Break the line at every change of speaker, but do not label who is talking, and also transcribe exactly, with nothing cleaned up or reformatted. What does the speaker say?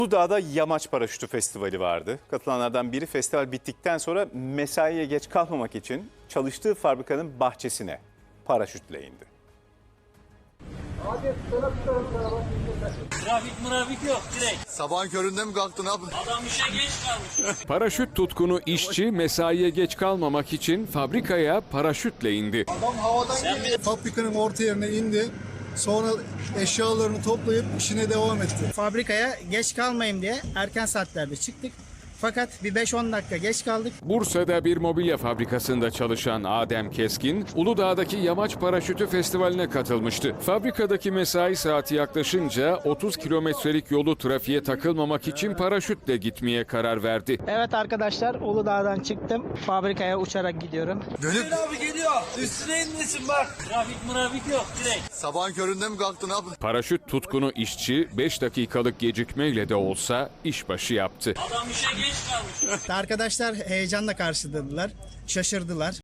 Uludağ'da Yamaç Paraşütü Festivali vardı. Katılanlardan biri festival bittikten sonra mesaiye geç kalmamak için çalıştığı fabrikanın bahçesine paraşütle indi.
Trafik mırafik yok direkt.
Sabahın köründe mi kalktın abi?
Adam işe geç kalmış.
Paraşüt tutkunu işçi mesaiye geç kalmamak için fabrikaya paraşütle indi.
Adam havadan geliyor. Fabrikanın orta yerine indi. Sonra eşyalarını toplayıp işine devam etti.
Fabrikaya geç kalmayayım diye erken saatlerde çıktık. Fakat bir beş on dakika geç kaldık.
Bursa'da bir mobilya fabrikasında çalışan Adem Keskin, Uludağ'daki Yamaç Paraşütü Festivali'ne katılmıştı. Fabrikadaki mesai saati yaklaşınca otuz kilometrelik yolu trafiğe takılmamak için paraşütle gitmeye karar verdi.
Evet arkadaşlar, Uludağ'dan çıktım. Fabrikaya uçarak gidiyorum.
Dönüp
Abi geliyor. Üstüne inmesin bak. Trafik mırafik yok direkt.
sabahın köründe mi kalktın abi?
Paraşüt tutkunu işçi beş dakikalık gecikmeyle de olsa işbaşı yaptı.
Adam işe geç kalmış.
Arkadaşlar heyecanla karşıladılar, şaşırdılar.